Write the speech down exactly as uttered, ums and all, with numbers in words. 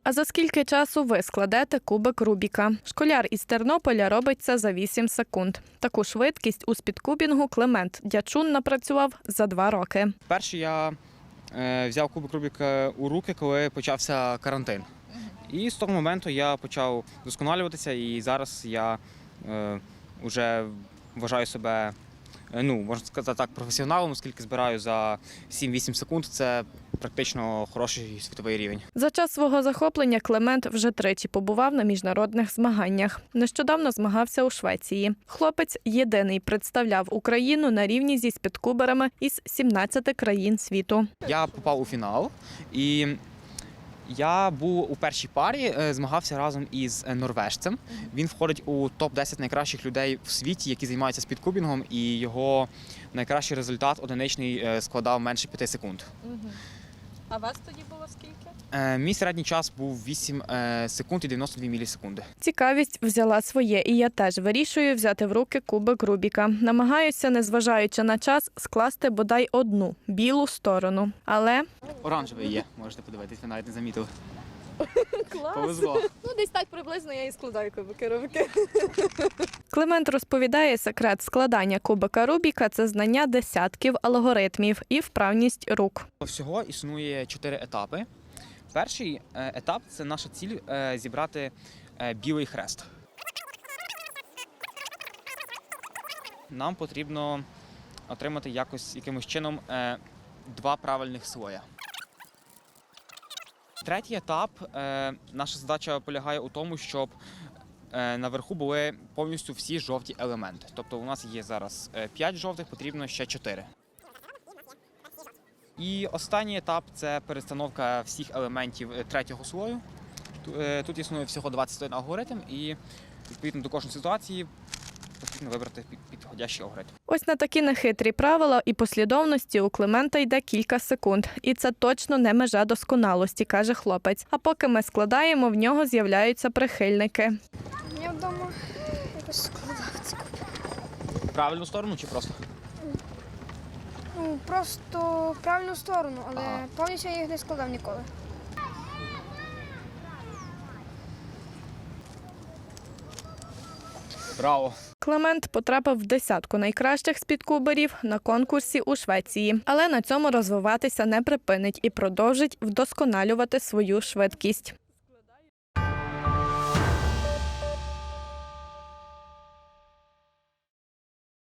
А за скільки часу ви складете кубик Рубіка? Школяр із Тернополя робить це за вісім секунд. Таку швидкість у спідкубінгу Климент Дячун напрацював за два роки. Перше я е, взяв кубик Рубіка у руки, коли почався карантин. І з того моменту я почав вдосконалюватися, і зараз я е, вже вважаю себе, е, ну, можна сказати так, професіоналом, оскільки збираю за сім-вісім секунд. Це практично хороший світовий рівень. За час свого захоплення Климент вже тричі побував на міжнародних змаганнях. Нещодавно змагався у Швеції. Хлопець єдиний представляв Україну на рівні зі спідкуберами із сімнадцяти країн світу. Я попав у фінал, і я був у першій парі, змагався разом із норвежцем. Він входить у топ десять найкращих людей в світі, які займаються спідкубінгом, і його найкращий результат одиничний складав менше п'яти секунд. А вас тоді було скільки? Мій середній час був вісім секунд і дев'яносто дві мілісекунди. Цікавість взяла своє, і я теж вирішую взяти в руки кубик Рубіка. Намагаюся, незважаючи на час, скласти бодай одну білу сторону. Але Оранжевий є, можете подивитись, ви навіть не замітили. клас! Повезло. Ну, десь так приблизно я і складаю кубики Рубіка. Климент розповідає, секрет складання кубика Рубіка – це знання десятків алгоритмів і вправність рук. Всього існує чотири етапи. Перший етап – це наша ціль – зібрати білий хрест. Нам потрібно отримати якось, якимось чином два правильних слоя. Третій етап – наша задача полягає у тому, щоб наверху були повністю всі жовті елементи. Тобто у нас є зараз п'ять жовтих, потрібно ще чотири. І останній етап – це перестановка всіх елементів третього слою. Тут існує всього двадцять один алгоритм, і відповідно до кожної ситуації потрібно вибрати підходящий алгоритм. Ось на такі нехитрі правила і послідовності у Климента йде кілька секунд. І це точно не межа досконалості, каже хлопець. А поки ми складаємо, в нього з'являються прихильники. Я вдома якось складав ці кубики. Правильну сторону чи просто? Ну, просто в правильну сторону, але Ага. повністю я їх не складав ніколи. Браво! Климент потрапив в десятку найкращих спідкуберів на конкурсі у Швеції. Але на цьому розвиватися не припинить і продовжить вдосконалювати свою швидкість.